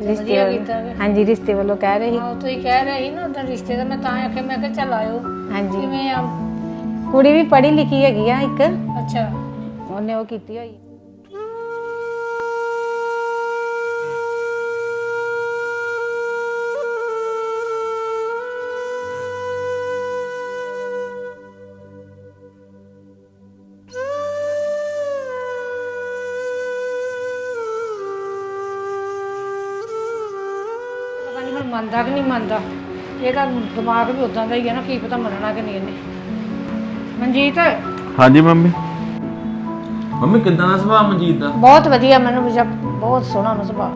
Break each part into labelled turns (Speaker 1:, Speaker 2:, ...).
Speaker 1: रिश्ते हाँ जी रिश्ते वालों कह रहे
Speaker 2: ਤੁਸੀਂ ਕਹਿ ਰਹੇ ਸੀ ਨਾ ਉਦੋਂ ਰਿਸ਼ਤੇ ਦਾ ਮੈਂ ਤਾਂ ਆਖਿਆ ਮੈਂ ਕਿਹਾ ਚੱਲ ਆਇਓ
Speaker 1: हाँ जी
Speaker 2: ਕਿਵੇਂ ਆ
Speaker 1: कुड़ी भी पढ़ी लिखी हैगी आ एक
Speaker 2: ਅੱਛਾ
Speaker 1: ਉਹਨੇ ਉਹ ਕੀਤੀ ਹੋਈ
Speaker 2: ਪਤਾ ਨਹੀਂ ਹੁਣ ਮੰਨਦਾ ਕਿ ਨਹੀਂ ਮੰਨਦਾ ਇਹਦਾ ਦਿਮਾਗ ਵੀ ਉਦਾਂ ਦਾ ਹੀ ਹੈ ਨਾ ਕੀ ਪਤਾ ਮੰਨਣਾ ਕਿ ਨਹੀਂ ਇਹਨੇ ਮਨਜੀਤ
Speaker 3: हाँ जी मम्मी मम्मी कितना दा सुभाव मनजीत दा
Speaker 2: ਬਹੁਤ ਵਧੀਆ ਮੈਨੂੰ ਬਹੁਤ ਸੋਹਣਾ ਉਹਦਾ ਸੁਭਾਅ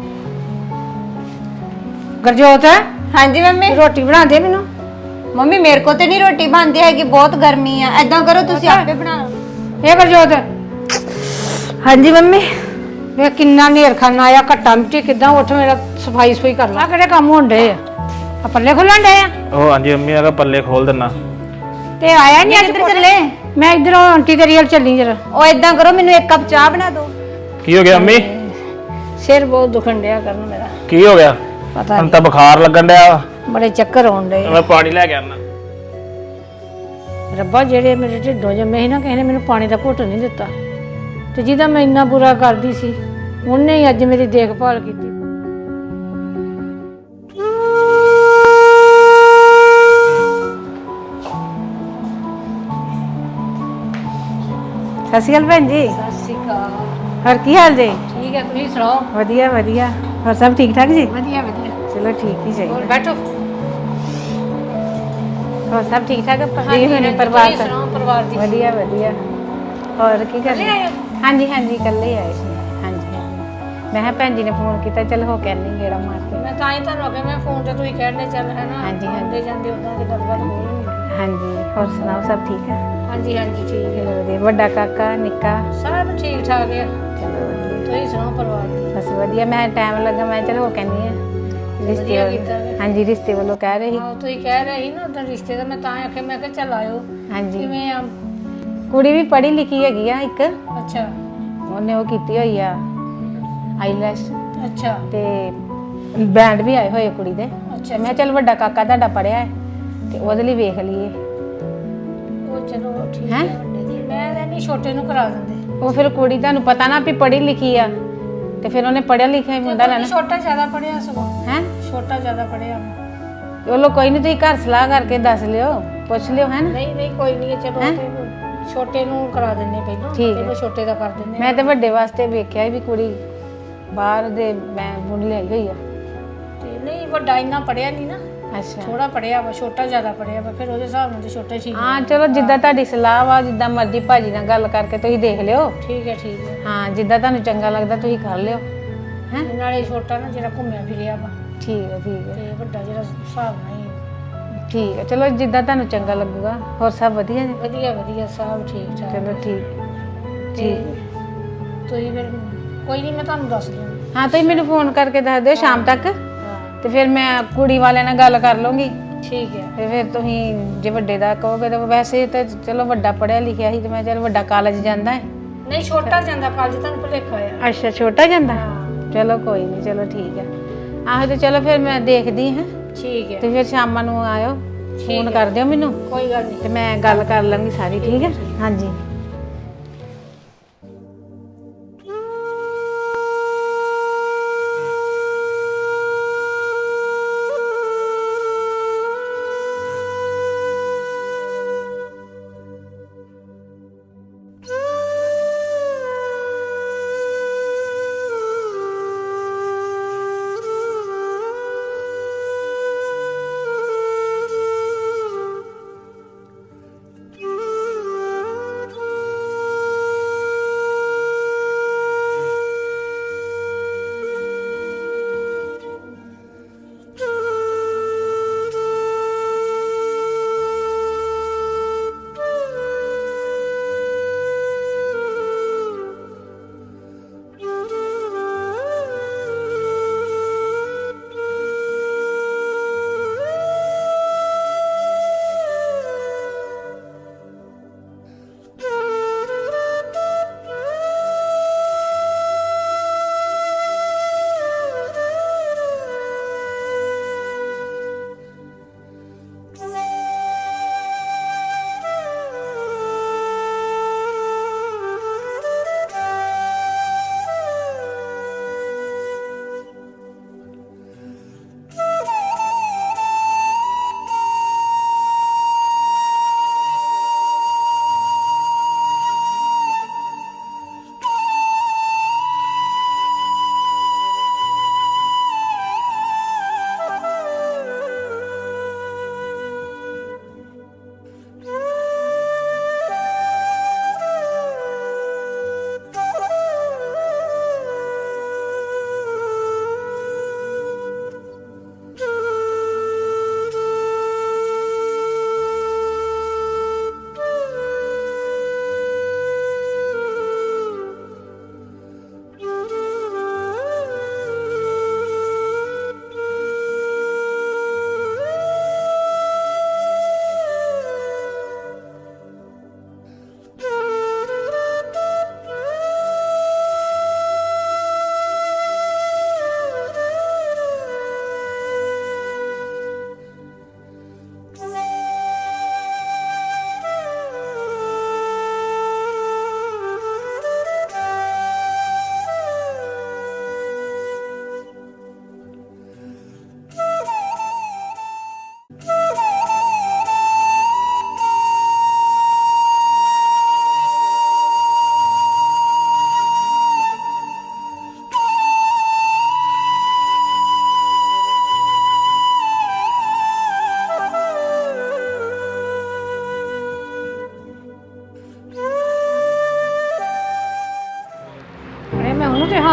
Speaker 2: ਗੁਰਜੋਤ
Speaker 4: हाँ जी मम्मी
Speaker 2: ਰੋਟੀ ਬਣਾ ਦੇ ਮੈਨੂੰ
Speaker 4: मम्मी मेरे को तो नहीं रोटी बनती है कि बहुत गर्मी है ऐदा करो तुसी आपे बना लो
Speaker 2: ਇਹ ਗੁਰਜੋਤ
Speaker 4: हाँ जी मम्मी
Speaker 2: ਵੇ ਕਿੰਨਾ ਨੇਰ ਖਾਨਾ ਆਇਆ ਘੱਟਾ ਮਿੱਟੀ ਕਿਦਾਂ ਉੱਠ ਮੇਰਾ ਸਫਾਈ ਸੁਈ ਕਰ ਲਾ ਕਿਹੜੇ ਕੰਮ ਹੁੰਦੇ ਆ ਪੱਲੇ ਖੁੱਲਣ ਡੇ ਆ
Speaker 3: ओ हाँ जी मम्मी अगर पल्ले खोल देना
Speaker 2: ਤੇ ਆਇਆ ਨਹੀਂ ਅੱਜ
Speaker 4: किधर चले
Speaker 2: ਮੈਂ ਇਧਰੋਂ ਆਂਟੀ ਤੇਰੀ ਵੱਲ ਚੱਲੀ ਜਰਾ
Speaker 4: ओ ऐदा करो मेनू एक कप चाह बना दो
Speaker 3: की हो गया मम्मी
Speaker 2: ਸਿਰ ਬਹੁਤ ਦੁਖਣ ਡਿਆ ਕਰਨ ਮੇਰਾ
Speaker 3: की हो गया
Speaker 2: ਪਤਾ
Speaker 3: हम तो बुखार लगन डया
Speaker 2: ਨਹੀਂ ਬੜੇ ਚੱਕਰ ਆਉਣ ਡੇ
Speaker 3: मैं पानी लेके आना
Speaker 2: ਰੱਬਾ ਜਿਹੜੇ ਮੇਰੇ ਢਿੱਡੋਂ ਜੰਮੇ ਸੀ ਨਾ ਕਿਸੇ ਨੇ ਮੈਨੂੰ ਪਾਣੀ ਦਾ ਘੁੱਟ ਨਹੀਂ ਦਿੱਤਾ ਤੇ ਜਿਹਦਾ ਮੈਂ ਇੰਨਾ ਬੁਰਾ ਕਰਦੀ ਸੀ ਉਹਨੇ ਹੀ ਅੱਜ ਮੇਰੀ ਦੇਖਭਾਲ ਕੀਤੀ
Speaker 1: ਸਤਿ ਸ਼੍ਰੀ ਅਕਾਲ ਭੈਣ ਜੀ
Speaker 2: ਸਤਿ ਸ਼੍ਰੀ ਅਕਾਲ
Speaker 1: ਹੋਰ ਕੀ ਹਾਲ ਜੀ
Speaker 2: ਠੀਕ ਹੈ ਤੁਸੀਂ ਸੁਣਾਓ
Speaker 1: ਵਧੀਆ ਵਧੀਆ ਹੋਰ ਸਭ ਠੀਕ ਠਾਕ ਜੀ
Speaker 2: ਵਧੀਆ ਵਧੀਆ
Speaker 1: ਚਲੋ ਠੀਕ ਹੀ
Speaker 2: ਹੋਰ
Speaker 1: ਚਾਹੀਦਾ
Speaker 2: ਬੈਠੋ
Speaker 1: ਹੋਰ ਸਭ ਠੀਕ ਠਾਕ ਜੀ
Speaker 2: ਹਾਂਜੀ,
Speaker 1: ਹੋਣੇ
Speaker 2: ਹਾਂਜੀ,
Speaker 1: ਪਰਿਵਾਰ
Speaker 2: ਤੁਸੀਂ ਸੁਣਾਓ ਪਰਿਵਾਰ ਦੀ
Speaker 1: ਵਧੀਆ ਵਧੀਆ ਹੋਰ ਕੀ ਕਰ
Speaker 2: ਇਕੱਲੇ ਆਏ ਹੋ?
Speaker 1: ਹਾਂਜੀ ਹਾਂਜੀ ਇਕੱਲੇ ਆਏ ਸੀ ਹਾਂਜੀ ਹਾਂਜੀ। ਮੈਂ ਕਿਹਾ ਭੈਣ ਜੀ ਨੇ ਫੋਨ ਕੀਤਾ ਚਲ ਹੋ ਕੇ ਆਨੀ ਗੇੜਾ ਮਾਰ ਕੇ
Speaker 2: ਮੈਂ ਤਾਂ ਹੀ ਤੁਹਾਨੂੰ ਅੱਗੇ ਮੈਂ ਫੋਨ ਤੇ ਤੁਸੀਂ ਕਹਿਣੇ ਚੱਲ ਹੈ ਨਾ
Speaker 1: ਹਾਂਜੀ, ਹਾਂਜੀ।
Speaker 2: ਆਉਂਦੇ ਜਾਂਦੇ ਉਦਾਂ ਦੀ ਗੱਲਬਾਤ ਹੋ ਰਹੀ
Speaker 1: ਹਾਂਜੀ ਹੋਰ ਸੁਣਾਓ ਸਭ ਠੀਕ ਹੈ
Speaker 2: ਹਾਂਜੀ ਹਾਂਜੀ ਠੀਕ ਹੈ
Speaker 1: ਚਲੋ ਵਧੀਆ ਵੱਡਾ ਕਾਕਾ ਨਿੱਕਾ
Speaker 2: ਸਭ ਠੀਕ ਠਾਕ ਹੈ
Speaker 1: ਚਲੋ ਵਧੀਆ
Speaker 2: ਤੁਸੀਂ ਸੁਣਾਓ ਪਰਿਵਾਰ ਦੀ
Speaker 1: ਬਸ ਵਧੀਆ ਮੈਂ ਟਾਈਮ ਲੱਗਾ ਮੈਂ ਚਲ ਹੋ ਕੇ ਆਨੀ ਆ ਰਿਸ਼ਤੇ
Speaker 2: ਵਧੀਆ ਕੀਤਾ ਵੇ।
Speaker 1: ਹਾਂਜੀ ਰਿਸ਼ਤੇ ਵੱਲੋਂ ਕਹਿ ਰਹੇ ਸੀ
Speaker 2: ਹਾਂ ਤੁਸੀਂ ਕਹਿ ਰਹੇ ਸੀ ਨਾ ਉਦੋਂ ਰਿਸ਼ਤੇ ਦਾ ਮੈਂ ਤਾਂ ਆਖਿਆ ਮੈਂ ਕਿਹਾ ਚੱਲ ਆਇਓ
Speaker 1: ਹਾਂਜੀ
Speaker 2: ਕਿਵੇਂ ਆ
Speaker 1: ਕੁੜੀ ਵੀ ਪੜ੍ਹੀ ਲਿਖੀ ਹੈਗੀ ਆ ਇੱਕ
Speaker 2: ਅੱਛਾ
Speaker 1: ਉਹਨੇ ਉਹ ਕੀਤੀ ਹੋਈ ਆ ਆਈਲੈਸ਼
Speaker 2: ਅੱਛਾ
Speaker 1: ਤੇ ਬੈਂਡ ਵੀ ਆਏ ਹੋਏ ਕੁੜੀ ਦੇ
Speaker 2: ਅੱਛਾ
Speaker 1: ਮੈਂ ਚੱਲ ਵੱਡਾ ਕਾਕਾ ਤੁਹਾਡਾ ਪੜਿਆ ਹੈ ਤੇ ਉਹਦੇ ਲਈ ਵੇਖ ਲਈਏ
Speaker 2: ਉਹ ਚਲੋ ਠੀਕ
Speaker 1: ਹੈਂ?
Speaker 2: ਹੈ ਵੱਡੇ ਦੀ ਮੈਂ ਤਾਂ ਨਹੀਂ ਛੋਟੇ ਨੂੰ ਕਰਾ ਦਿੰਦੇ
Speaker 1: ਉਹ ਫਿਰ ਕੁੜੀ ਤੁਹਾਨੂੰ ਪਤਾ ਨਾ ਵੀ ਪੜ੍ਹੀ ਲਿਖੀ ਆ ਤੇ ਫਿਰ ਉਹਨੇ ਪੜਿਆ ਲਿਖਿਆ ਹੀ ਮੁੰਡਾ ਲੈਣਾ
Speaker 2: ਛੋਟਾ ਜ਼ਿਆਦਾ ਪੜਿਆ ਸਗੋਂ
Speaker 1: ਹੈ
Speaker 2: ਛੋਟਾ ਜ਼ਿਆਦਾ ਪੜਿਆ
Speaker 1: ਚਲੋ ਕੋਈ ਨਹੀਂ ਤੁਸੀਂ ਘਰ ਸਲਾਹ ਕਰਕੇ ਦੱਸ ਲਿਓ ਪੁੱਛ ਲਿਓ ਹੈ ਨਾ
Speaker 2: ਨਹੀਂ ਨਹੀਂ ਕੋਈ ਨਹੀਂ ਚਲੋ ਤੇ ਛੋਟੇ ਨੂੰ ਕਰਾ ਦਿੰਨੇ ਪਹਿਲਾਂ
Speaker 1: ਠੀਕ ਹੈ।
Speaker 2: ਪਹਿਲਾਂ ਛੋਟੇ ਦਾ ਕਰ ਦਿੰਨੇ
Speaker 1: ਮੈਂ ਤੇ ਵੱਡੇ ਵਾਸਤੇ ਵੇਖਿਆ ਸੀ ਵੀ ਕੁੜੀ ਬਾਹਰ ਦੇ ਮੈਂ ਮੁੰਡ ਲਈ ਹੋਈ ਆ
Speaker 2: ਤੇ ਨਹੀਂ ਵੱਡਾ ਇੰਨਾ ਪੜਿਆ ਨਹੀਂ ਨਾ
Speaker 1: ਅੱਛਾ
Speaker 2: ਥੋੜਾ ਪੜਿਆ ਵਾ ਛੋਟਾ ਜ਼ਿਆਦਾ ਪੜਿਆ ਵਾ ਫਿਰ ਉਹਦੇ ਹਿਸਾਬ ਨਾਲ ਤੇ ਛੋਟਾ ਠੀਕ
Speaker 1: ਹਾਂ ਚਲੋ ਜਿੱਦਾਂ ਤੁਹਾਡੀ ਸਲਾਹ ਵਾ ਜਿੱਦਾਂ ਮਰਜ਼ੀ ਭਾਜੀ ਨਾਲ ਗੱਲ ਕਰਕੇ ਤੁਸੀਂ ਦੇਖ ਲਿਓ
Speaker 2: ਠੀਕ ਹੈ
Speaker 1: ਹਾਂ ਜਿੱਦਾਂ ਤੁਹਾਨੂੰ ਚੰਗਾ ਲੱਗਦਾ ਤੁਸੀਂ ਕਰ ਲਿਓ ਹੈ
Speaker 2: ਨਾਲੇ ਛੋਟਾ ਨਾ ਜਿਹੜਾ ਘੁੰਮਿਆ ਫਿਰਿਆ ਵਾ
Speaker 1: ਠੀਕ ਹੈ ਠੀਕ ਹੈ
Speaker 2: ਤੇ ਵੱਡਾ ਜਿਹੜਾ ਹਿਸਾਬ ਨਾਲ ਹੀ
Speaker 1: ਠੀਕ ਹੈ ਚਲੋ ਜਿੱਦਾਂ ਤੁਹਾਨੂੰ ਚੰਗਾ ਲੱਗੂਗਾ ਹੋਰ ਸਭ ਵਧੀਆ ਜੀ
Speaker 2: ਵਧੀਆ ਵਧੀਆ ਸਭ ਠੀਕ ਠਾਕ
Speaker 1: ਚਲੋ ਠੀਕ
Speaker 2: ਤੇ
Speaker 1: ਠੀਕ
Speaker 2: ਤੁਸੀਂ ਫਿਰ ਕੋਈ ਨਹੀਂ ਮੈਂ ਤੁਹਾਨੂੰ ਦੱਸ ਦੂੰਗੀ
Speaker 1: ਹਾਂ ਤੁਸੀਂ ਮੈਨੂੰ ਫੋਨ ਕਰਕੇ ਦੱਸ ਦਿਓ ਸ਼ਾਮ ਤੱਕ
Speaker 2: ਹਾਂ
Speaker 1: ਤੇ ਫਿਰ ਮੈਂ ਕੁੜੀ ਵਾਲਿਆਂ ਨਾਲ ਗੱਲ ਕਰ ਲਵਾਂਗੀ
Speaker 2: ਠੀਕ ਹੈ
Speaker 1: ਤੇ ਫਿਰ ਤੁਸੀਂ ਜੇ ਵੱਡੇ ਦਾ ਕਹੋਗੇ ਤਾਂ ਵੈਸੇ ਤਾਂ ਚਲੋ ਵੱਡਾ ਪੜਿਆ ਲਿਖਿਆ ਸੀ ਤੇ ਮੈਂ ਚਲ ਵੱਡਾ ਕਾਲਜ ਜਾਂਦਾ ਹੈ
Speaker 2: ਨਹੀਂ ਛੋਟਾ ਜਾਂਦਾ ਕਾਲਜ ਤੁਹਾਨੂੰ ਭੁਲੇਖਾ ਆ
Speaker 1: ਅੱਛਾ ਛੋਟਾ ਜਾਂਦਾ
Speaker 2: ਹਾਂ
Speaker 1: ਚਲੋ ਕੋਈ ਨਹੀਂ ਚਲੋ ਠੀਕ ਹੈ ਆਹੋ ਤੇ ਚਲੋ ਫਿਰ ਮੈਂ ਦੇਖਦੀ ਹਾਂ
Speaker 2: ਠੀਕ ਹੈ
Speaker 1: ਤੇ ਫਿਰ ਸ਼ਾਮਾਂ ਨੂੰ ਆਇਓ ਫੋਨ ਕਰ ਦਿਓ ਮੈਨੂੰ
Speaker 2: ਕੋਈ ਗੱਲ ਨਹੀਂ
Speaker 1: ਤੇ ਮੈਂ ਗੱਲ ਕਰ ਲਾਂਗੀ ਸਾਰੀ ਠੀਕ ਹੈ ਹਾਂਜੀ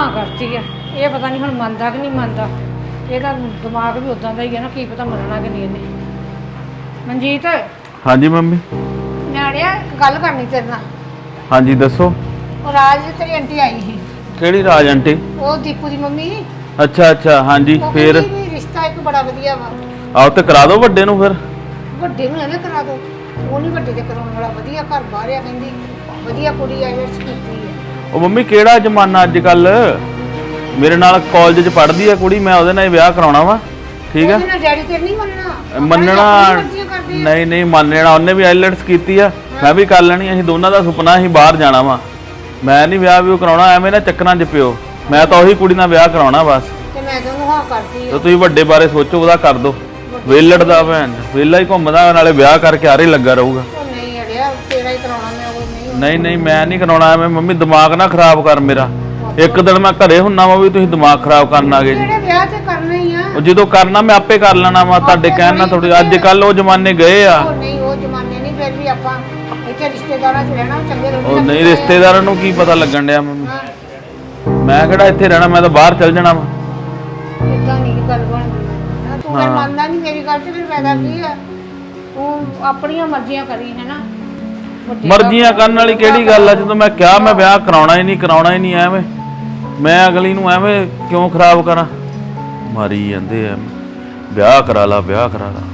Speaker 2: ਹਾਂ ਕਰਤੀ ਆ। ਇਹ ਪਤਾ ਨਹੀਂ ਹੁਣ ਮੰਨਦਾ ਕਿ ਨਹੀਂ ਮੰਨਦਾ। ਇਹਦਾ ਦਿਮਾਗ ਵੀ ਉਦਾਂ ਦਾ ਹੀ ਹੈ ਨਾ, ਕੀ ਪਤਾ ਮੰਨਣਾ ਕਿ ਨਹੀਂ ਇਹਨੇ। ਮਨਜੀਤ,
Speaker 3: ਹਾਂਜੀ ਮੰਮੀ।
Speaker 2: ਨਿਆਣਿਆ ਇੱਕ ਗੱਲ ਕਰਨੀ ਤੇਰੇ ਨਾਲ।
Speaker 3: ਹਾਂਜੀ ਦੱਸੋ।
Speaker 2: ਉਹ ਰਾਜ ਦੀ ਤੇਰੀ ਆਂਟੀ ਆਈ ਸੀ,
Speaker 3: ਕਿਹੜੀ ਰਾਜ ਆਂਟੀ?
Speaker 2: ਉਹ ਦੀਪੂ ਦੀ ਮੰਮੀ।
Speaker 3: ਅੱਛਾ ਅੱਛਾ, ਹਾਂਜੀ
Speaker 2: ਉਹ
Speaker 3: ਫੇਰ?
Speaker 2: ਕਹਿੰਦੀ ਵੀ ਰਿਸ਼ਤਾ ਇੱਕ ਬੜਾ ਵਧੀਆ ਵਾ,
Speaker 3: ਆਓ ਤੇ ਕਰਾ ਦਿਓ ਵੱਡੇ ਨੂੰ ਫਿਰ।
Speaker 2: ਵੱਡੇ ਨੂੰ ਐਵੇਂ ਕਰਾ ਦੋ। ਉਹ ਨਹੀਂ ਵੱਡੇ ਤੇ ਕਰਾਉਣ ਵਾਲਾ, ਵਧੀਆ ਘਰ ਬਾਹਰ ਆ, ਕਹਿੰਦੀ ਵਧੀਆ ਕੁੜੀ ਆਇਲਟਸ ਕੀਤੀ ਹੈ।
Speaker 3: ਉਹ ਮੰਮੀ ਕਿਹੜਾ ਜ਼ਮਾਨਾ ਅੱਜ ਕੱਲ। ਮੇਰੇ ਨਾਲ ਕਾਲਜ 'ਚ ਪੜ੍ਹਦੀ ਆ ਕੁੜੀ, ਮੈਂ ਉਹਦੇ ਨਾਲ ਹੀ ਵਿਆਹ ਕਰਾਉਣਾ ਵਾ। ਠੀਕ ਆ,
Speaker 2: ਉਹਦੇ ਨਾਲ ਡੈਡੀ ਤੇ ਨਹੀਂ ਮੰਨਣਾ।
Speaker 3: ਮੰਨਣਾ ਨਹੀਂ ਨਹੀਂ ਮੰਨਣਾ। ਉਹਨੇ ਵੀ ਆਈਲੈਟਸ ਕੀਤੀ ਆ, ਮੈਂ ਵੀ ਕਰ ਲੈਣੀ। ਅਸੀਂ ਦੋਨਾਂ ਦਾ ਸੁਪਨਾ ਅਸੀਂ ਬਾਹਰ ਜਾਣਾ ਵਾ। ਮੈਂ ਨਹੀਂ ਵਿਆਹ ਵੀ ਕਰਾਉਣਾ ਐਵੇਂ ਨਾ ਚੱਕਰਾਂ 'ਚ ਪਿਓ। ਮੈਂ ਤਾਂ ਉਹੀ ਕੁੜੀ ਨਾਲ ਵਿਆਹ ਕਰਾਉਣਾ ਬਸ।
Speaker 2: ਤੇ ਮੈਂ ਤਾਂ ਉਹਨੂੰ ਹਾਂ ਕਰਦੀ
Speaker 3: ਤੇ ਤੁਸੀਂ ਵੱਡੇ ਬਾਰੇ ਸੋਚੋ, ਉਹਦਾ ਕਰ ਦੋ। ਵੇਲੜ ਦਾ ਭੈਣ ਵੇਲਾ ਹੀ ਘੁੰਮਦਾ, ਨਾਲੇ ਵਿਆਹ ਕਰਕੇ ਆਰੇ ਲੱਗਾ ਰਹੂਗਾ।
Speaker 2: ਉਹ ਨਹੀਂ ਅੜਿਆ, ਤੇਰਾ ਹੀ ਕਰਾਉਣਾ ਮੈਂ। ਉਹ
Speaker 3: ਨਹੀਂ ਨਹੀਂ ਮੈਂ ਨਹੀਂ ਕਰਾਉਣਾ ਐਵੇਂ। ਮੰਮੀ ਦਿਮਾਗ ਨਾ ਖਰਾਬ ਕਰ ਮੇਰਾ। ਇੱਕ ਦਿਨ ਮੈਂ ਘਰੇ ਹੁੰਨਾ ਵਾ ਵੀ ਤੁਸੀਂ ਦਿਮਾਗ ਖਰਾਬ ਕਰਨ ਆ ਗਏ ਜੀ।
Speaker 2: ਜਿਹੜੇ ਵਿਆਹ ਤੇ ਕਰਨਾ ਹੀ ਆ।
Speaker 3: ਉਹ ਜਦੋਂ ਕਰਨਾ ਮੈਂ ਆਪੇ ਕਰ ਲੈਣਾ ਵਾ, ਤੁਹਾਡੇ ਕਹਿਣ ਨਾਲ ਥੋੜੀ। ਅੱਜ ਕੱਲ ਉਹ ਜ਼ਮਾਨੇ ਗਏ ਆ।
Speaker 2: ਉਹ ਨਹੀਂ, ਉਹ ਜ਼ਮਾਨੇ ਨਹੀਂ। ਫਿਰ ਵੀ ਆਪਾਂ ਇੱਥੇ ਰਿਸ਼ਤੇਦਾਰਾਂ 'ਚ ਰਹਿਣਾ ਚੰਗੇ
Speaker 3: ਉਹ ਨਹੀਂ, ਰਿਸ਼ਤੇਦਾਰਾਂ ਨੂੰ ਕੀ ਪਤਾ ਲੱਗਣ ਡਿਆ ਮੰਮੀ। ਮੈਂ ਕਿਹੜਾ ਇੱਥੇ ਰਹਿਣਾ, ਮੈਂ ਤਾਂ ਬਾਹਰ ਚੱਲ ਜਾਣਾ ਵਾ।
Speaker 2: ਇਦਾਂ ਨਹੀਂ ਗੱਲ ਬਣਦੀ। ਤੂੰ ਫਿਰ ਮੰਨਦਾ ਨਹੀਂ ਮੇਰੀ ਗੱਲ ਤੇ, ਫਿਰ ਫਾਇਦਾ ਕੀ ਆ? ਤੂੰ ਆਪਣੀਆਂ ਮਰਜ਼ੀਆਂ ਕਰੀ ਹੈ ਨਾ।
Speaker 3: ਮਰਜ਼ੀਆਂ ਕਰਨ ਵਾਲੀ ਕਿਹੜੀ ਗੱਲ ਆ? ਜਦੋਂ ਮੈਂ ਕਿਹਾ ਮੈਂ ਵਿਆਹ ਕਰਾਉਣਾ ਹੀ ਨਹੀਂ, ਕਰਾਉਣਾ ਹੀ ਨਹੀਂ। ਐਵੇਂ ਮੈਂ ਅਗਲੀ ਨੂੰ ਐਵੇਂ ਕਿਉਂ ਖਰਾਬ ਕਰਾਂ? ਮਾਰੀ ਜਾਂਦੇ ਆ, ਵਿਆਹ ਕਰਾ ਲਾ, ਵਿਆਹ ਕਰਾ ਲਾ।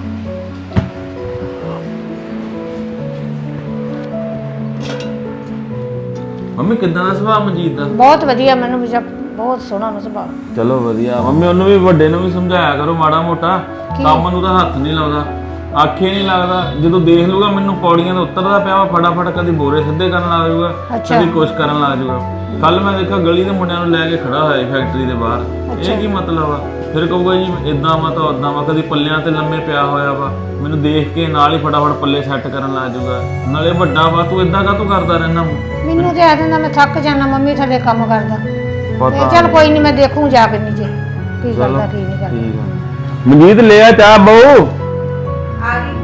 Speaker 3: ਮੰਮੀ ਕਿੱਦਾਂ ਦਾ ਸੁਭਾਅ ਮਨਜੀਤ ਦਾ?
Speaker 2: ਬਹੁਤ ਵਧੀਆ, ਮੈਨੂੰ ਬਹੁਤ ਸੋਹਣਾ ਉਹਦਾ ਸੁਭਾਅ।
Speaker 3: ਚਲੋ ਵਧੀਆ। ਮੰਮੀ ਉਹਨੂੰ ਵੀ ਵੱਡੇ ਨੂੰ ਵੀ ਸਮਝਾਇਆ ਕਰੋ ਮਾੜਾ ਮੋਟਾ। ਕੰਮ ਨੂੰ ਤਾਂ ਹੱਥ ਨਹੀਂ ਲਾਉਂਦਾ, ਆਖੇ ਨਹੀਂ ਲੱਗਦਾ। ਜਦੋਂ ਦੇਖ ਲੂਗਾ ਮੈਨੂੰ ਪੌੜੀਆਂ ਤੋਂ ਉਤਰਦਾ ਪਿਆ ਵਾ, ਫਟਾਫਟ ਕਦੀ ਬੋਰੇ ਸਿੱਧੇ ਕਰਨ ਲੱਗ ਜਾਊਗਾ, ਕਦੀ ਕੁਛ ਕਰਨ ਲੱਗ ਜਾਊਗਾ। ਕੱਲ ਮੈਂ ਦੇਖਿਆ ਗਲੀ ਦੇ ਮੁੰਡਿਆਂ ਨੂੰ ਲੈ ਕੇ ਖੜਾ ਹੋਇਆ ਫੈਕਟਰੀ ਦੇ ਬਾਹਰ। ਇਹ ਕੀ ਮਤਲਬ ਆ? ਫਿਰ ਕਹੂਗਾ ਜੀ ਇਦਾਂ ਵਾ ਤਾਂ ਉਦਾਂ ਵਾ, ਕਦੀ ਪੱਲਿਆਂ ਤੇ ਲੰਮੇ ਪਿਆ ਹੋਇਆ ਵਾ। ਮੈਨੂੰ ਦੇਖ ਕੇ ਨਾਲ ਹੀ ਫਟਾਫਟ ਪੱਲੇ ਸੈੱਟ ਕਰਨ ਲੱਗ ਜਾਊਗਾ। ਨਾਲੇ ਵੱਡਾ ਵਾ, ਤੂੰ ਇਦਾਂ ਕਾਹਤੋਂ ਕਰਦਾ ਰਹਿਣਾ?
Speaker 2: ਮੈਨੂੰ ਤੇ ਆ ਦਿੰਦਾ ਮੈਂ ਥੱਕ ਜਾਣਾ ਮੰਮੀ ਥੱਲੇ ਕੰਮ ਕਰਦਾ।
Speaker 3: ਪਤਾ
Speaker 2: ਚੱਲ ਕੋਈ ਨਹੀਂ, ਮੈਂ ਦੇਖੂ ਜਾ ਕੇ ਨੀਚੇ ਕੀ ਕਰਦਾ ਕੀ ਨਹੀਂ ਕਰਦਾ।
Speaker 3: ਠੀਕ ਆ। ਮਨਜੀਤ ਲੈ ਆ ਚਾਹ ਬਹੂ।
Speaker 4: ਆ ਗਈ।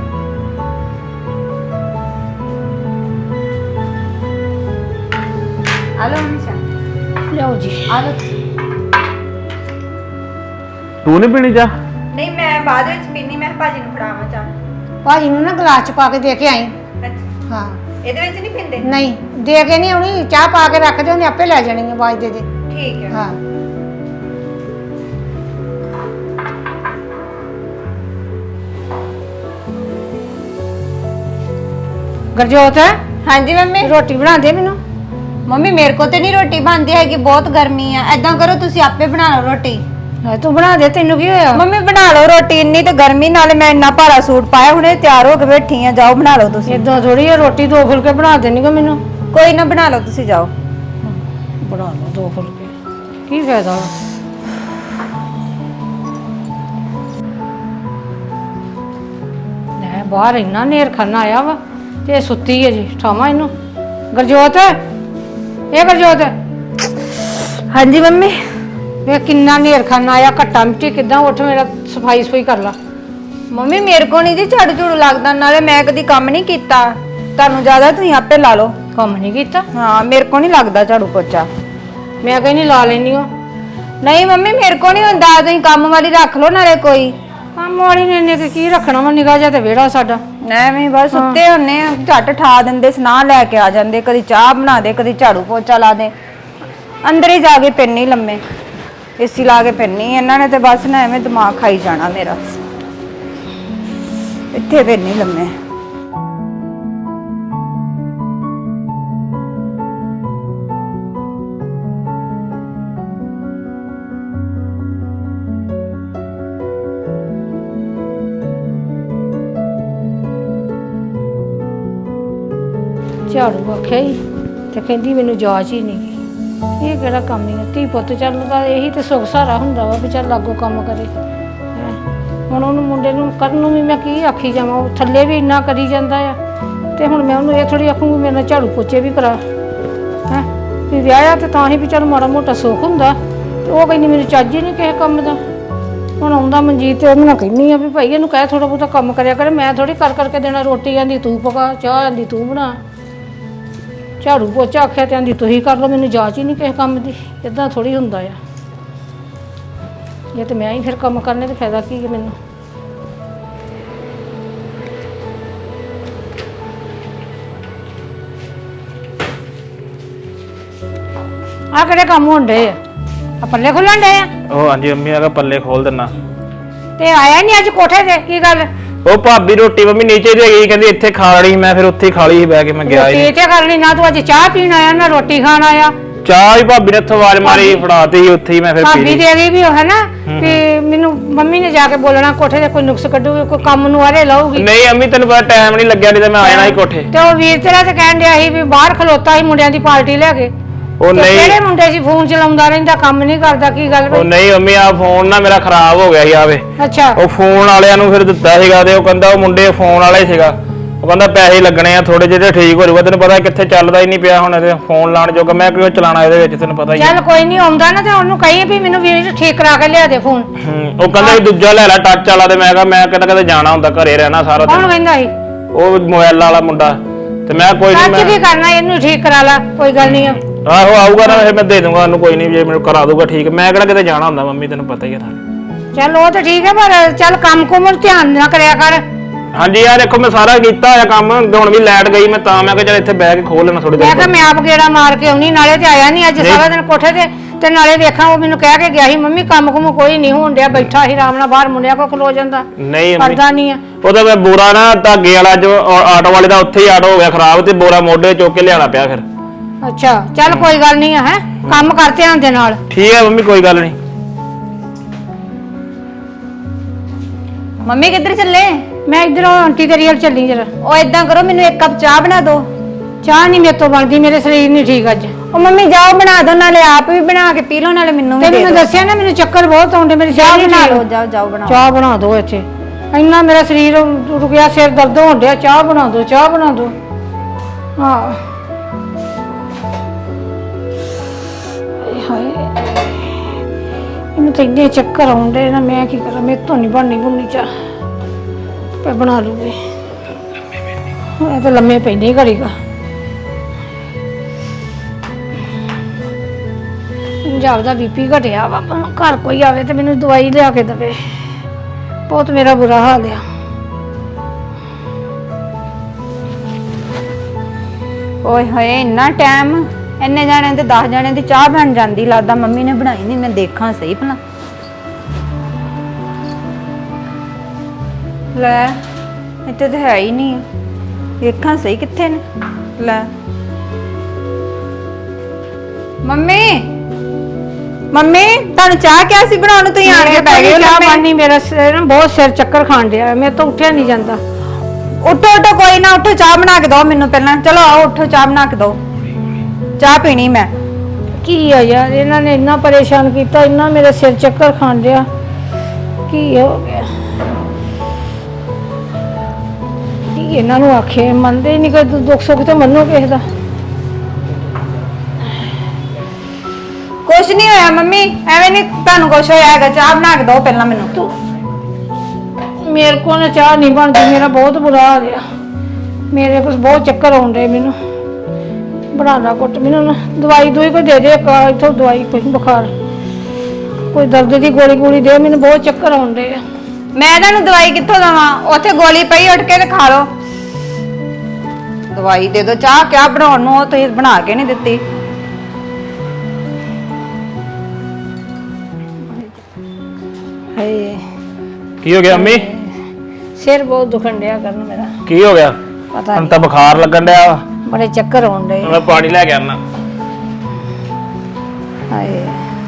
Speaker 4: ਆਲੋ ਹਮੇਸ਼ਾ
Speaker 2: ਲਿਆਓ ਜੀ।
Speaker 4: ਆਲੋ।
Speaker 3: ਤੂੰ ਨਹੀਂ ਪੀਣੀ ਚਾਹ?
Speaker 4: ਨਹੀਂ ਮੈਂ ਬਾਅਦ ਵਿੱਚ ਪੀਣੀ, ਮੈਂ ਭਾਜੀ ਨੂੰ ਫੜਾਵਾਂ ਚਾਹ।
Speaker 2: ਭਾਜੀ ਨੂੰ ਨਾ ਗਲਾਸ 'ਚ ਪਾ ਕੇ ਦੇ ਕੇ ਆਈ।
Speaker 4: ਅੱਛਾ,
Speaker 2: ਹਾਂ
Speaker 4: ਇਹਦੇ ਵਿੱਚ ਨਹੀਂ ਪੀਂਦੇ?
Speaker 2: ਨਹੀਂ, ਦੇ ਕੇ ਨਹੀਂ ਆਉਣੀ। ਚਾਹ ਪਾ ਕੇ ਰੱਖ ਦੇ, ਉਹਨੇ ਆਪੇ ਲੈ ਜਾਣੀ ਹੈ। ਆਵਾਜ਼ ਦੇ ਦੇ।
Speaker 4: ਠੀਕ ਹੈ।
Speaker 2: ਹਾਂ ਗਰਜੋਤ,
Speaker 4: ਹਾਂਜੀ ਮੰਮੀ।
Speaker 2: ਰੋਟੀ ਬਣਾ ਦੇ ਮੈਨੂੰ।
Speaker 4: ਮੰਮੀ ਮੇਰੇ ਕੋ ਤੇ ਨਹੀਂ ਰੋਟੀ ਬਣਦੀ ਹੈਗੀ, ਬਹੁਤ ਗਰਮੀ ਆ। ਐਦਾਂ ਕਰੋ ਤੁਸੀਂ ਆਪੇ ਬਣਾ ਲਓ ਰੋਟੀ।
Speaker 2: ਤੂੰ ਬਣਾ ਦੇ, ਤੈਨੂੰ ਕੀ ਹੋਇਆ?
Speaker 4: ਮੰਮੀ ਬਣਾ ਲਓ ਰੋਟੀ, ਇੰਨੀ ਤੇ ਗਰਮੀ ਨਾਲੇ ਮੈਂ ਇੰਨਾ ਭਾਰਾ ਸੂਟ ਪਾਇਆ, ਹੁਣੇ ਤਿਆਰ ਹੋ ਕੇ ਬੈਠੀ ਆ। ਜਾਓ ਬਣਾ ਲਓ ਤੁਸੀਂ।
Speaker 2: ਇਦਾਂ ਥੋੜੀ ਆ, ਰੋਟੀ 2 ਫੁਲਕੇ ਬਣਾ ਦੇਣੀਗਾ ਮੈਨੂੰ।
Speaker 4: ਕੋਈ ਨਾ ਬਣਾ ਲਓ ਤੁਸੀਂ, ਜਾਓ
Speaker 2: ਬਣਾ ਲਓ 2 ਫੁਲਕੇ। ਕੀ ਫਾਇਦਾ? ਲੈ ਬਾਹਰ ਇੰਨਾ ਨੇਰ ਖਾਨਾ ਆਇਆ ਵਾ ਤੇ ਇਹ ਸੁੱਤੀ ਹੈ ਜੀ। ਠਾਵਾਂ ਇਹਨੂੰ। ਗਰਜੋਤ, ਇਹ ਗਰਜੋਤ।
Speaker 4: ਹਾਂਜੀ ਮੰਮੀ।
Speaker 2: ਵੇ ਕਿੰਨਾ ਨੇਰ ਖਾਨਾ ਆਇਆ, ਘੱਟਾ ਮਿੱਟੀ ਕਿਦਾਂ। ਉੱਠ, ਮੇਰਾ ਸਫਾਈ ਸਫਾਈ ਕਰ ਲਾ।
Speaker 4: ਮੰਮੀ ਮੇਰੇ ਕੋ ਨਹੀਂ ਜੀ ਝਾੜੂ ਝੂੜੂ ਲੱਗਦਾ, ਨਾਲੇ ਮੈਂ ਕਦੀ ਕੰਮ ਨਹੀਂ ਕੀਤਾ। ਤੁਹਾਨੂੰ ਜ਼ਿਆਦਾ ਤੁਸੀਂ ਆਪੇ ਲਾ ਲਓ।
Speaker 2: ਕੰਮ ਨਹੀਂ ਕੀਤਾ?
Speaker 4: ਹਾਂ, ਮੇਰੇ ਕੋ ਨਹੀਂ ਲੱਗਦਾ ਝਾੜੂ ਪੋਚਾ।
Speaker 2: ਮੈਂ ਕਹਿੰਦੀ ਲਾ ਲੈਣੀ ਹੋ।
Speaker 4: ਨਹੀਂ ਮੰਮੀ ਮੇਰੇ ਕੋ ਨਹੀਂ ਹੁੰਦਾ, ਤੁਸੀਂ ਕੰਮ ਵਾਲੀ ਰੱਖ ਲਓ ਨਾਲੇ ਕੋਈ।
Speaker 2: ਕੰਮ ਵਾਲੀ ਨੇ ਕੀ ਰੱਖਣਾ ਵਾ, ਨਿਗਾਹ ਜਾ ਤੇ ਵਿਹੜਾ ਸਾਡਾ।
Speaker 4: ਐਵੇਂ ਬਸ ਸੁੱਤੇ ਹੁੰਨੇ ਆ, ਝੱਟ ਠਾ ਦਿੰਦੇ, ਸੁਨਾ ਲੈ ਕੇ ਆ ਜਾਂਦੇ। ਕਦੀ ਚਾਹ ਬਣਾ ਦੇ, ਕਦੀ ਝਾੜੂ ਪੋਚਾ ਲਾ ਦੇ। ਅੰਦਰ ਹੀ ਜਾ ਕੇ ਪੈਣੀ ਲੰਮੇ, ਏਸੀ ਲਾ ਕੇ ਪੈਣੀ। ਇਹਨਾਂ ਨੇ ਤੇ ਬਸ ਨਾ ਐਵੇਂ ਦਿਮਾਗ ਖਾਈ ਜਾਣਾ ਮੇਰਾ। ਇੱਥੇ ਪੈਣੀ ਲੰਮੇ।
Speaker 2: ਝਾੜੂ ਆਖਿਆ ਹੀ ਤੇ ਕਹਿੰਦੀ ਮੈਨੂੰ ਜਾਚ ਹੀ ਨਹੀਂ ਗਈ। ਇਹ ਕਿਹੜਾ ਕੰਮ ਹੀ ਆ? ਧੀ ਪੁੱਤ ਚੱਲਦਾ ਇਹੀ ਤੇ ਸੁੱਖ ਸਹਾਰਾ ਹੁੰਦਾ ਵਾ ਵੀ ਚੱਲ ਲਾਗੋ ਕੰਮ ਕਰੇ। ਹੈਂ। ਹੁਣ ਉਹਨੂੰ ਮੁੰਡੇ ਨੂੰ ਕਰਨ ਨੂੰ ਵੀ ਮੈਂ ਕੀ ਆਖੀ ਜਾਵਾਂ? ਉਹ ਥੱਲੇ ਵੀ ਇੰਨਾ ਕਰੀ ਜਾਂਦਾ ਆ ਤੇ ਹੁਣ ਮੈਂ ਉਹਨੂੰ ਇਹ ਥੋੜੀ ਆਖੂੰਗੀ ਮੇਰੇ ਨਾਲ ਝਾੜੂ ਪੋਚੇ ਵੀ ਕਰਾ। ਹੈਂ ਵੀ ਵਿਆਹਿਆ ਤੇ ਤਾਂ ਹੀ ਵੀ ਚੱਲ ਮਾੜਾ ਮੋਟਾ ਸੁੱਖ ਹੁੰਦਾ। ਤੇ ਉਹ ਕਹਿੰਦੀ ਮੈਨੂੰ ਚੱਜ ਹੀ ਨਹੀਂ ਕਿਸੇ ਕੰਮ ਦਾ। ਹੁਣ ਆਉਂਦਾ ਮਨਜੀਤ ਤੇ ਉਹਨੂੰ ਕਹਿੰਦੀ ਆ ਵੀ ਭਾਈ ਇਹਨੂੰ ਕਹਿ ਥੋੜਾ ਬਹੁਤਾ ਕੰਮ ਕਰਿਆ ਕਰੇ। ਮੈਂ ਥੋੜੀ ਕਰ ਕਰਕੇ ਦੇਣਾ। ਰੋਟੀ ਆਂਦੀ ਤੂੰ ਪਕਾ, ਚਾਹ ਆਂਦੀ ਤੂੰ ਬਣਾ। ਝਾੜੂ ਪੋਚਾ ਆਖਿਆ ਤੇ ਆਂਦੀ ਤੁਸੀਂ ਕਰ ਲਓ, ਮੈਨੂੰ ਜਾਚ ਹੀ ਨਹੀਂ ਕਿਸੇ ਕੰਮ ਦੀ। ਇਦਾਂ ਥੋੜੀ ਹੁੰਦਾ ਆ। ਇਹ ਤੇ ਮੈਂ ਹੀ ਫਿਰ ਕੰਮ ਕਰਨੇ ਤੇ ਫਾਇਦਾ ਕੀ ਹੈ ਮੈਨੂੰ। ਆ ਕਿਹੜੇ ਕੰਮ ਹੁੰਦੇ ਆ ਪੱਲੇ ਖੁੱਲਣ ਡੇ ਆ?
Speaker 5: ਉਹ ਹਾਂਜੀ ਮੰਮੀ ਆਗਾ ਪੱਲੇ ਖੋਲ ਦਿੰਨਾ।
Speaker 2: ਤੇ ਆਇਆ ਨਹੀਂ ਅੱਜ ਕੋਠੇ ਤੇ, ਕੀ ਗੱਲ?
Speaker 5: ਉਹ ਭਾਬੀ ਰੋਟੀ ਮੰਮੀ ਨੀਚੇ ਦੇ ਗਈ, ਕਹਿੰਦੀ ਇੱਥੇ ਖਾ ਲਈ। ਮੈਂ ਫਿਰ ਉੱਥੇ ਹੀ ਖਾ ਲਈ ਸੀ ਬਹਿ ਕੇ, ਮੈਂ ਗਿਆ ਹੀ
Speaker 2: ਰੋਟੀ ਤੇ ਕਰ ਲਈ ਨਾ। ਤੂੰ ਅੱਜ ਚਾਹ ਪੀਣ ਆਇਆ ਨਾ ਰੋਟੀ ਖਾਣ ਆਇਆ?
Speaker 5: ਚਾਹ ਹੀ ਭਾਬੀ ਨੇ ਇੱਥੋਂ ਆਵਾਜ਼ ਮਾਰੀ, ਫੜਾਤੀ ਸੀ ਉੱਥੇ ਹੀ ਮੈਂ ਫਿਰ ਪੀ
Speaker 2: ਭਾਬੀ
Speaker 5: ਲਈ।
Speaker 2: ਦੇ ਗਈ ਵੀ ਉਹ ਹੈ ਨਾ ਕਿ ਮੈਨੂੰ ਮੰਮੀ ਨੇ ਜਾ ਕੇ ਬੋਲਣਾ ਕੋਠੇ ਤੇ ਕੋਈ ਨੁਕਸ ਕੱਢੂਗੀ, ਕੋਈ ਕੰਮ ਨੂੰ ਆਰੇ ਲਾਊਗੀ।
Speaker 5: ਨਹੀਂ ਅੰਮੀ ਤੈਨੂੰ ਪਤਾ ਟਾਈਮ ਨਹੀਂ ਲੱਗਿਆ, ਨਹੀਂ ਤਾਂ ਮੈਂ ਆ ਜਾਣਾ ਸੀ ਕੋਠੇ।
Speaker 2: ਤੇ ਉਹ ਵੀਰ ਤੇਰਾ ਤੇ ਕਹਿਣ ਡਿਆ ਸੀ ਵੀ ਬਾਹਰ ਖਲੋਤਾ ਸੀ ਮੁੰਡਿਆਂ ਦੀ ਪਾਰਟੀ ਲੈ ਕੇ।
Speaker 5: ਉਹ ਨਹੀਂ,
Speaker 2: ਕਿਹੜੇ ਮੁੰਡੇ ਸੀ? ਫੋਨ ਚਲਾਉਂਦਾ ਰਹਿੰਦਾ, ਕੰਮ ਨਹੀਂ ਕਰਦਾ, ਕੀ ਗੱਲ
Speaker 5: ਉਹ ਨਹੀਂ ਮੰਮੀ ਆ ਫੋਨ ਨਾ ਮੇਰਾ ਖਰਾਬ ਹੋ ਗਿਆ ਸੀ ਆਵੇ।
Speaker 2: ਅੱਛਾ
Speaker 5: ਉਹ ਫੋਨ ਵਾਲਿਆਂ ਨੂੰ ਫਿਰ ਦਿੱਤਾ ਸੀਗਾ ਤੇ ਉਹ ਕਹਿੰਦਾ ਉਹ ਮੁੰਡੇ ਫੋਨ ਵਾਲਾ ਹੀ ਸੀਗਾ। ਉਹ ਕਹਿੰਦਾ ਪੈਸੇ ਲੱਗਣੇ ਆ ਥੋੜੇ ਜਿਹੇ, ਠੀਕ ਹੋ ਜਾਊਗਾ। ਤੈਨੂੰ ਪਤਾ ਕਿੱਥੇ ਚੱਲਦਾ ਹੀ ਨਹੀਂ ਪਿਆ ਹੁਣ ਇਹਦੇ ਫੋਨ ਲਾਣ ਜੋਗਾ, ਮੈਂ ਕਿਉਂ ਚਲਾਣਾ ਇਹਦੇ ਵਿੱਚ, ਤੈਨੂੰ ਪਤਾ ਹੀ ਹੈ।
Speaker 2: ਚੱਲ ਕੋਈ ਨਹੀਂ ਆਉਂਦਾ ਨਾ ਤੇ ਉਹਨੂੰ ਕਹੀ ਵੀ ਮੈਨੂੰ ਵੀਰ ਠੀਕ ਕਰਾ ਕੇ ਲਿਆ ਦੇ ਫੋਨ।
Speaker 5: ਉਹ ਕਹਿੰਦਾ ਵੀ ਦੂਜਾ ਲੈ ਲੈ ਟੱਚ ਵਾਲਾ, ਤੇ ਮੈਂ ਕਿਹਾ ਮੈਂ ਕਿਤੇ ਕਿਤੇ ਜਾਣਾ ਹੁੰਦਾ, ਘਰੇ ਰਹਿਣਾ ਸਾਰਾ
Speaker 2: ਕੌਣ
Speaker 5: ਦਿਨ।
Speaker 2: ਕਹਿੰਦਾ ਸੀ?
Speaker 5: ਉਹ ਮੋਬਾਈਲ ਵਾਲਾ ਮੁੰਡਾ। ਤੇ ਮੈਂ ਕੋਈ
Speaker 2: ਟੱਚ
Speaker 5: ਨਹੀਂ,
Speaker 2: ਕੀ ਕਰਨਾ, ਇਹਨੂੰ ਠੀਕ ਕਰਾ ਲਾ, ਕੋਈ ਗੱਲ ਨਹੀਂ ਆ।
Speaker 5: ਆਹੋ ਆਊਗਾ ਨਾ ਫਿਰ ਮੈਂ ਦੇ ਦੂੰਗਾ ਉਹਨੂੰ, ਕੋਈ ਨਹੀਂ ਜੇ ਮੈਨੂੰ ਕਰਾ ਦੂਗਾ ਠੀਕ। ਮੈਂ ਕਿਹੜਾ ਕਿਤੇ ਜਾਣਾ ਹੁੰਦਾ ਮੰਮੀ, ਤੈਨੂੰ ਪਤਾ ਹੀ ਹੈ ਨਾਲ।
Speaker 2: ਚੱਲ ਉਹ ਤਾਂ ਠੀਕ ਹੈ, ਪਰ ਚੱਲ ਕੰਮ ਕੁਮ ਧਿਆਨ ਨਾ ਕਰਿਆ ਕਰ।
Speaker 5: ਹਾਂਜੀ ਯਾਰ ਦੇਖੋ ਮੈਂ ਸਾਰਾ ਕੀਤਾ ਹੋਇਆ ਕੰਮ, ਹੁਣ ਵੀ ਲਾਈਟ ਗਈ ਮੈਂ ਤਾਂ ਮੈਂ ਕਿਹਾ ਚੱਲ ਇੱਥੇ ਬਹਿ ਕੇ ਖੋਲ ਲੈਣਾ ਥੋੜੀ
Speaker 2: ਮੈਂ
Speaker 5: ਦੇਰ।
Speaker 2: ਕਿਹਾ ਮੈਂ ਆਪ ਗੇੜਾ ਮਾਰ ਕੇ ਆਉਣੀ, ਨਾਲੇ ਤੇ ਆਇਆ ਨਹੀਂ ਅੱਜ ਸਾਰਾ ਦਿਨ ਕੋਠੇ ਤੇ ਨਾਲੇ ਵੇਖਾਂ ਉਹ ਮੈਨੂੰ ਕਹਿ ਕੇ ਗਿਆ ਸੀ ਮੰਮੀ ਕੰਮ ਕੁਮ ਕੋਈ ਨਹੀਂ ਹੋਣ ਡਿਆ, ਬੈਠਾ ਸੀ ਆਰਾਮ ਨਾਲ ਬਾਹਰ ਮੁੰਡਿਆਂ ਕੋਲ ਖਲੋ ਜਾਂਦਾ,
Speaker 5: ਨਹੀਂ
Speaker 2: ਕਰਦਾ ਨਹੀਂ ਆ।
Speaker 5: ਉਹਦਾ ਮੈਂ ਬੋਰਾ ਨਾ ਧਾਗੇ ਵਾਲਾ ਜੋ ਆਟੋ ਵਾਲੇ ਦਾ ਉੱਥੇ ਹੀ ਆਟੋ ਹੋ ਗਿਆ ਖਰਾਬ, ਤੇ ਬੋਰਾ ਮੋਢੇ ਚੁੱਕ ਕੇ ਲਿਆਣਾ ਪਿਆ ਫਿਰ।
Speaker 2: ਅੱਛਾ ਚੱਲ ਕੋਈ ਗੱਲ ਨਹੀਂ ਹੈ, ਕੰਮ ਕਰ ਧਿਆਨ ਦੇ ਨਾਲ।
Speaker 5: ਠੀਕ ਹੈ ਮੰਮੀ ਕੋਈ ਗੱਲ ਨਹੀਂ।
Speaker 4: ਮੰਮੀ ਕਿੱਧਰ ਚੱਲੇ?
Speaker 2: ਮੈਂ ਇਧਰੋਂ ਆਂਟੀ ਤੇਰੀ ਵੱਲ ਚੱਲੀ ਜਰਾ।
Speaker 4: ਉਹ ਇਦਾਂ ਕਰੋ, ਮੈਨੂੰ ਇੱਕ ਕੱਪ ਚਾਹ ਬਣਾ ਦਿਓ।
Speaker 2: ਚਾਹ ਨਹੀਂ ਮੇਰੇ ਤੋਂ ਬਣਦੀ, ਮੇਰੇ ਸਰੀਰ ਨਹੀਂ ਠੀਕ ਅੱਜ।
Speaker 4: ਉਹ ਮੰਮੀ ਜਾਓ ਬਣਾ ਦਿਓ, ਨਾਲੇ ਆਪ ਵੀ ਬਣਾ ਕੇ ਪੀ ਲਓ, ਨਾਲੇ ਮੈਨੂੰ ਵੀ
Speaker 2: ਤੈਨੂੰ
Speaker 4: ਦੇ
Speaker 2: ਮੈਂ
Speaker 4: ਦਿਓ।
Speaker 2: ਦੱਸਿਆ ਨਾ ਮੈਨੂੰ ਚੱਕਰ ਬਹੁਤ ਆਉਂਦੇ, ਮੇਰੀ ਚਾਹ
Speaker 4: ਚਾਹ
Speaker 2: ਨਹੀਂ
Speaker 4: ਬਣਾ
Speaker 2: ਠੀਕ।
Speaker 4: ਲਓ, ਜਾਓ ਜਾਓ ਬਣਾਓ।
Speaker 2: ਚਾਹ ਬਣਾ ਦਿਓ ਇੱਥੇ, ਇੰਨਾ ਮੇਰਾ ਸਰੀਰ ਰੁਕਿਆ, ਸਿਰ ਦਰਦ ਹੋਣ ਡਿਆ। ਚਾਹ ਬਣਾ ਦਿਓ, ਚਾਹ ਬਣਾ ਦਿਓ। ਹਾਂ ਹਾਏ ਇਹਨੂੰ ਤਾਂ ਇੰਨੇ ਚੱਕਰ ਆਉਂਦੇ ਨਾ, ਮੈਂ ਕੀ ਕਰਾਂ, ਮੇਰੇ ਤੋਂ ਨਹੀਂ ਬਣਨੀ ਚਾਹ। ਪੇ ਬਣਾ ਲੂਗੀ, ਇਹ ਤਾਂ ਲੰਮੇ ਪੈਂਦੇ ਹੀ ਘੜੀਗਾ। ਪੰਜਾਬ ਦਾ ਬੀਪੀ ਘਟਿਆ ਵਾ, ਘਰ ਕੋਈ ਆਵੇ ਤੇ ਮੈਨੂੰ ਦਵਾਈ ਲਿਆ ਕੇ ਦੇਵੇ, ਬਹੁਤ ਮੇਰਾ ਬੁਰਾ ਹਾਲ ਆ।
Speaker 4: ਓਏ ਹੋਏ ਇੰਨਾ ਟਾਈਮ, ਇੰਨੇ ਜਾਣਿਆਂ ਦੇ 10 ਜਾਣਿਆਂ ਦੀ ਚਾਹ ਬਣ ਜਾਂਦੀ, ਲੱਗਦਾ ਮੰਮੀ ਨੇ ਬਣਾਈ ਨਹੀਂ। ਮੈਂ ਦੇਖਾਂ ਸਹੀ ਭਲਾ। ਲੈ ਇੱਥੇ ਤਾਂ ਹੈ ਹੀ ਨਹੀਂ, ਵੇਖਾਂ ਸਹੀ ਕਿੱਥੇ ਨੇ। ਲੈ ਮੰਮੀ, ਮੰਮੀ ਤੁਹਾਨੂੰ ਚਾਹ ਕਿਹਾ ਸੀ ਬਣਾਉਣ ਨੂੰ, ਤੁਸੀਂ ਆਣ ਕੇ ਬਹਿ ਗਏ।
Speaker 2: ਚਾਹ ਪਾਣੀ ਮੇਰਾ ਸਿਰ ਨਾ ਬਹੁਤ ਸਿਰ ਚੱਕਰ ਖਾਣ ਡਿਆ, ਮੇਰੇ ਤੋਂ ਉੱਠਿਆ ਨਹੀਂ ਜਾਂਦਾ।
Speaker 4: ਉੱਠੋ ਉੱਠੋ, ਕੋਈ ਨਾ ਉੱਠੋ, ਚਾਹ ਬਣਾ ਕੇ ਦਿਓ ਮੈਨੂੰ ਪਹਿਲਾਂ। ਚਲੋ ਆਓ ਉੱਠੋ, ਚਾਹ ਬਣਾ ਕੇ ਦਿਓ, ਚਾਹ ਪੀਣੀ ਮੈਂ।
Speaker 2: ਕੀ ਆ ਯਾਰ, ਇਹਨਾਂ ਨੇ ਇੰਨਾ ਪਰੇਸ਼ਾਨ ਕੀਤਾ, ਇੰਨਾ ਮੇਰਾ ਸਿਰ ਚੱਕਰ ਖਾਣ ਡਿਆ, ਕੀ ਹੋ ਗਿਆ? ਕੀ ਇਹਨਾਂ ਨੂੰ ਆਖੇ, ਮੰਨਦੇ ਨਹੀਂ, ਕੋਈ ਦੁੱਖ ਸੁੱਖ ਤੇ ਮੰਨੋ ਕਿਸੇ ਦਾ।
Speaker 4: ਕੁਛ ਨਹੀਂ ਹੋਇਆ ਮੰਮੀ, ਐਵੇਂ ਨਹੀਂ ਤੁਹਾਨੂੰ ਕੁਛ ਹੋਇਆ ਹੈਗਾ। ਚਾਹ ਬਣਾ ਕੇ ਦਿਓ ਪਹਿਲਾਂ ਮੈਨੂੰ।
Speaker 2: ਤੂੰ ਮੇਰੇ ਕੋਲ ਨਾ ਚਾਹ ਨਹੀਂ ਬਣਦੀ, ਮੇਰਾ ਬਹੁਤ ਬੁਰਾ ਹਾਲ ਆ, ਮੇਰੇ ਕੋਲ ਬਹੁਤ ਚੱਕਰ ਆਉਂਦੇ ਮੈਨੂੰ। ਬਣਾ ਲਾ ਕੁੱਟ, ਮੈਨੂੰ ਨਾ ਦਵਾਈ ਕੋਈ ਦੇ ਦੇ, ਇੱਥੋਂ ਦਵਾਈ ਕੋਈ ਬੁਖਾਰ, ਕੋਈ ਦਰਦ ਦੀ ਗੋਲੀ ਦੇ, ਮੈਨੂੰ ਬਹੁਤ ਚੱਕਰ ਆਉਂਦੇ ਆ।
Speaker 4: ਮੈਂ ਤੁਹਾਨੂੰ ਦਵਾਈ ਕਿੱਥੋਂ ਦਵਾਂ? ਉੱਥੇ ਗੋਲੀ ਪਈ, ਉੱਠ ਕੇ ਤੇ ਖਾ ਲਓ। ਦਵਾਈ ਦੇ ਦਿਓ, ਚਾਹ ਕਿਆ ਬਣਾਉਣ ਨੂੰ, ਉਹ ਤੁਸੀਂ ਬਣਾ ਕੇ ਨਹੀਂ ਦਿੱਤੀ।
Speaker 2: ਹਾਏ
Speaker 5: ਕੀ ਹੋ ਗਿਆ ਅੰਮੀ?
Speaker 2: ਸਿਰ ਬਹੁਤ ਦੁਖਣ ਡਿਆ ਕਰਨ ਮੇਰਾ,
Speaker 5: ਕੀ ਹੋ ਗਿਆ?
Speaker 2: ਪਤਾ
Speaker 5: ਹੁਣ
Speaker 2: ਨਹੀਂ,
Speaker 5: ਤਾਂ ਬੁਖਾਰ ਲੱਗਣ ਡਿਆ ਵਾ।
Speaker 2: ਬੜੇ ਚੱਕਰ ਆਉਂਦੇ।
Speaker 5: ਮੈਂ ਪਾਣੀ ਲੈ ਕੇ ਆਣਾ।
Speaker 2: ਹਾਏ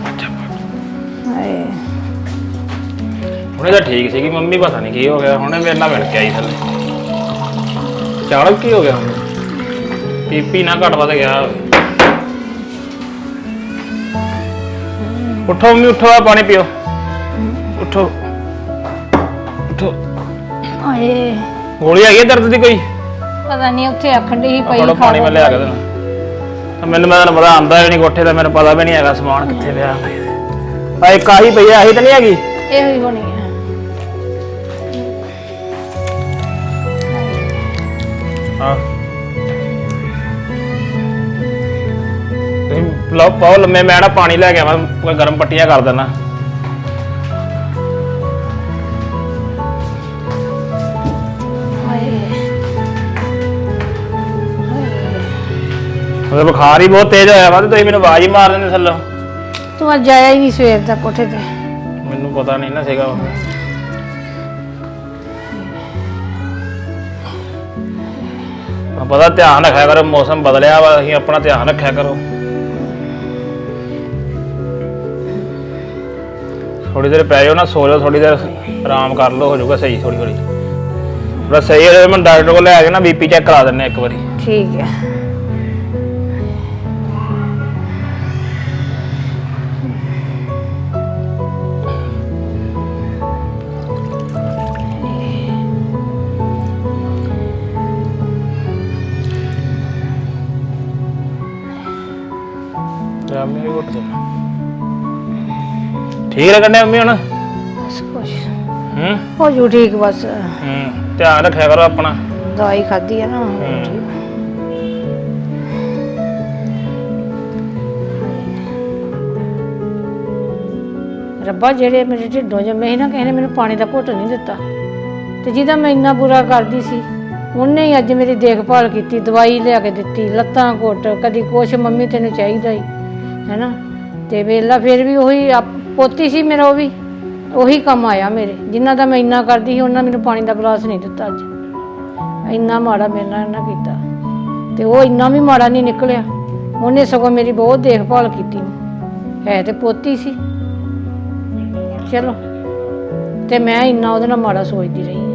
Speaker 2: ਹਾਏ
Speaker 5: ਹੁਣੇ ਤਾਂ ਠੀਕ ਸੀਗੀ ਮੰਮੀ, ਪਤਾ ਨਹੀਂ ਕੀ ਹੋ ਗਿਆ, ਹੁਣੇ ਮੇਰੇ ਨਾਲ ਮਿਲ ਕੇ ਆਈ ਥੱਲੇ। ਚਾਲਕ ਕੀ ਹੋ ਗਿਆ? ਪੀਪੀ ਨਾ ਘਟ ਵੱਧ ਗਿਆ। ਉੱਠੋ ਮੰਮੀ ਉੱਠੋ, ਆ ਪਾਣੀ ਪੀਓ, ਉੱਠੋ ਉੱਠੋ।
Speaker 2: ਹਾਏ
Speaker 5: ਗੋਲੀ ਹੈਗੀ ਦਰਦ ਦੀ ਕੋਈ?
Speaker 2: ਪਤਾ ਨਹੀਂ, ਉੱਥੇ ਆਖਣ ਦੀ ਪਈ
Speaker 5: ਫੜੋ ਪਾਣੀ ਮੈਂ ਲਿਆ ਕੇ ਦੇਣਾ। ਮੈਨੂੰ ਤਾਂ ਪਤਾ ਆਂਦਾ ਵੀ ਨਹੀਂ ਕੋਠੇ ਦਾ, ਮੈਨੂੰ ਪਤਾ ਵੀ ਨਹੀਂ ਹੈਗਾ ਸਮਾਨ ਕਿੱਥੇ ਪਿਆ। ਆ ਇੱਕ ਆਹੀ ਪਈ ਆ, ਆਹੀ ਤਾਂ ਨਹੀਂ ਹੈਗੀ?
Speaker 2: ਇਹੋ ਹੀ ਹੋਣੀ ਹੈ।
Speaker 5: ਹਾਂ ਤੁਸੀਂ ਲਓ ਪਾਓ ਲੰਮੇ, ਮੈਂ ਨਾ ਪਾਣੀ ਲੈ ਕੇ ਆਵਾਂ, ਕੋਈ ਗਰਮ ਪੱਟੀਆਂ ਕਰ ਦੇਣਾ। ਉਹਦਾ ਬੁਖਾਰ ਹੀ ਬਹੁਤ ਤੇਜ਼ ਹੋਇਆ ਵਾ ਤੇ ਤੁਸੀਂ ਮੈਨੂੰ ਆਵਾਜ਼ ਹੀ ਮਾਰ ਦਿੰਦੇ ਥੱਲੋਂ।
Speaker 2: ਤੂੰ ਅੱਜ ਆਇਆ ਹੀ ਨਹੀਂ ਸਵੇਰ ਦਾ ਕੋਠੇ ਤੇ।
Speaker 5: ਮੈਨੂੰ ਪਤਾ ਨਹੀਂ ਨਾ ਸੀਗਾ ਉਹ। ਪਤਾ ਧਿਆਨ ਰੱਖਿਆ ਕਰੋ, ਮੌਸਮ ਬਦਲਿਆ ਵਾ, ਅਸੀਂ ਆਪਣਾ ਧਿਆਨ ਰੱਖਿਆ ਕਰੋ। ਥੋੜੀ ਦੇਰ ਪੈ ਜਾਓ ਨਾ, ਸੋ ਜਾਓ ਥੋੜੀ ਦੇਰ, ਆਰਾਮ ਕਰ ਲਓ, ਹੋ ਜਾਊਗਾ ਸਹੀ ਥੋੜੀ ਥੋੜੀ। ਬਸ ਸਹੀ ਹੋ ਜਾਵੇ, ਮੈਂ ਡਾਕਟਰ ਕੋਲ ਲੈ ਕੇ ਨਾ ਬੀਪੀ ਚੈੱਕ ਕਰਾ ਦਿੰਨੇ ਇੱਕ ਵਾਰੀ।
Speaker 2: ਠੀਕ ਹੈ।
Speaker 5: ਮੰਮੀ ਵੀ ਘੁੱਟ ਦੇਣਾ। ਠੀਕ ਲੱਗਣ ਮੰਮੀ ਹੁਣ?
Speaker 2: ਬਸ ਕੁਛ
Speaker 5: ਹੂੰ
Speaker 2: ਹੋ ਜੂ ਠੀਕ ਬਸ।
Speaker 5: ਧਿਆਨ ਰੱਖਿਆ ਕਰੋ ਆਪਣਾ।
Speaker 2: ਦਵਾਈ ਖਾਧੀ ਹੈ ਨਾ। ਰੱਬਾ ਜਿਹੜੇ ਮੇਰੇ ਢਿੱਡੋਂ ਜੰਮੇ ਸੀ ਨਾ, ਕਿਸੇ ਨੇ ਮੈਨੂੰ ਪਾਣੀ ਦਾ ਘੁੱਟ ਨਹੀਂ ਦਿੱਤਾ, ਤੇ ਜਿਹਦਾ ਮੈਂ ਇੰਨਾ ਬੁਰਾ ਕਰਦੀ ਸੀ ਉਹਨੇ ਹੀ ਅੱਜ ਮੇਰੀ ਦੇਖਭਾਲ ਕੀਤੀ, ਦਵਾਈ ਲਿਆ ਕੇ ਦਿੱਤੀ, ਲੱਤਾਂ ਘੁੱਟ, ਕਦੀ ਕੁਛ, ਮੰਮੀ ਤੈਨੂੰ ਚਾਹੀਦਾ ਹੀ ਹੈ ਨਾ। ਤੇ ਵੇਲਾ ਫਿਰ ਵੀ ਉਹੀ ਪੋਤੀ ਸੀ ਮੇਰਾ, ਉਹ ਵੀ ਉਹੀ ਕੰਮ ਆਇਆ ਮੇਰੇ। ਜਿਨ੍ਹਾਂ ਦਾ ਮੈਂ ਇੰਨਾ ਕਰਦੀ ਸੀ ਉਹਨਾਂ ਮੈਨੂੰ ਪਾਣੀ ਦਾ ਗਲਾਸ ਨਹੀਂ ਦਿੱਤਾ ਅੱਜ। ਇੰਨਾ ਮਾੜਾ ਮੇਰੇ ਨਾਲ ਇਹਨਾਂ ਕੀਤਾ, ਤੇ ਉਹ ਇੰਨਾ ਵੀ ਮਾੜਾ ਨਹੀਂ ਨਿਕਲਿਆ। ਉਹਨੇ ਸਗੋਂ ਮੇਰੀ ਬਹੁਤ ਦੇਖਭਾਲ ਕੀਤੀ, ਹੈ ਤੇ ਪੋਤੀ ਸੀ। ਚਲੋ, ਤੇ ਮੈਂ ਇੰਨਾ ਉਹਦੇ ਨਾਲ ਮਾੜਾ ਸੋਚਦੀ ਰਹੀ।